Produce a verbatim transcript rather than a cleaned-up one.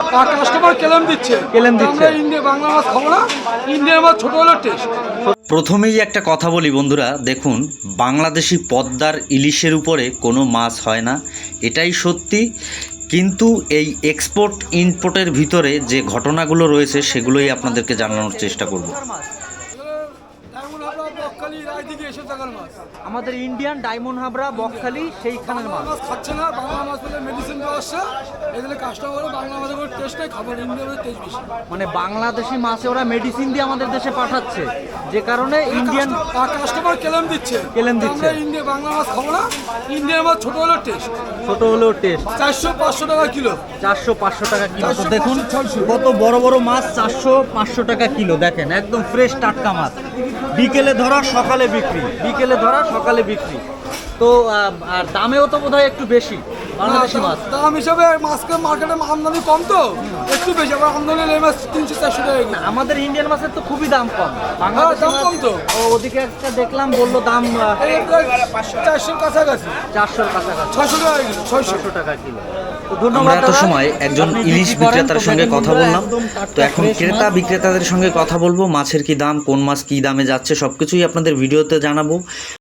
আর customer কেলেম দিচ্ছে কেলেম দিচ্ছে। আমরা ইন্ডিয়া বাংলা মাছ খাবো না, ইন্ডিয়ার মাছ ছোট হলো টেস্ট। প্রথমেই একটা কথা বলি বন্ধুরা, দেখুন বাংলাদেশি পদ্মার ইলিশের উপরে কোনো মাছ হয় না, এটাই সত্যি। কিন্তু এই এক্সপোর্ট ইম্পোর্টের ভিতরে যে ঘটনাগুলো রয়েছে সেগুলোই আপনাদেরকে জানানোর চেষ্টা করব। আমাদের ইন্ডিয়ান ডায়মন্ড হাবড়া বকখালি সেইখানের মাছ মাছ খাচ্ছে না, বাংলা মাছ বলে মেডিসিন দেওয়া আসছে, এগুলো কাস্টমার বাংলা মাছের কোনো টেস্ট নেই, খাবার ইন্ডিয়ার মাছের টেস্ট বেশি। মানে বাংলাদেশি মাছে ওরা মেডিসিন দিয়ে আমাদের দেশে পাঠাচ্ছে, যে কারণে ইন্ডিয়ান আর কাস্টমার কেলেম দিচ্ছে কেলেম দিচ্ছে। আমরা ইন্ডিয়া বাংলা মাছ খাবো না, ইন্ডিয়ার মাছ ছোট হলো টেস্ট। ছোট হলেও টেস্ট। চারশো পাঁচশো টাকা কিলো। চারশো পাঁচশো টাকা কিলো। তো চারশো, দেখুন পাঁচশো, ছয়শো। কত বড় বড় মাছ, চারশো পাঁচশো টাকা কিলো। দেখেন একদম ফ্রেশ টাটকা মাছ, বিকেলে ধরা সকালে বিক্রি, বিকেলে ধরা সকালে বিক্রি। তো আহ, আর দামেও তো বোধহয় একটু বেশি বাংলাদেশি মাছ। দাম হিসাবে মাছকে মার্কেটে আমদানি কম, তো একটু বেশি। আবার আমদানি এই মাছ তিনশো চারশো টাকা কিলো। আমাদের ইন্ডিয়ান মাছের তো খুবই দাম কম, হ্যাঁ, বাংলাদেশি দাম মাছ কম তো। ও, ওদিকে একটা দেখলাম বললো দাম আহ, এই প্রায় চারশোর কাছাকাছি, চারশোর কাছাকাছি, ছয়শো টাকা কিলো, ছয়শো। ছশো টাকা কিলো। তো আমরা ধন্যবাদ এত দাদা। সময় একজন আপনি ইলিশ বিক্রি করেন, বিক্রেতার তো সঙ্গে দেখেন কথা বন্ধুরা, বললাম। একদম তো টাটকা এখন fresh ক্রেতা মাছ। বিক্রেতাদের সঙ্গে কথা বলবো, মাছের কি দাম, কোন মাছ কি দামে যাচ্ছে সবকিছুই আপনাদের ভিডিওতে জানাবো।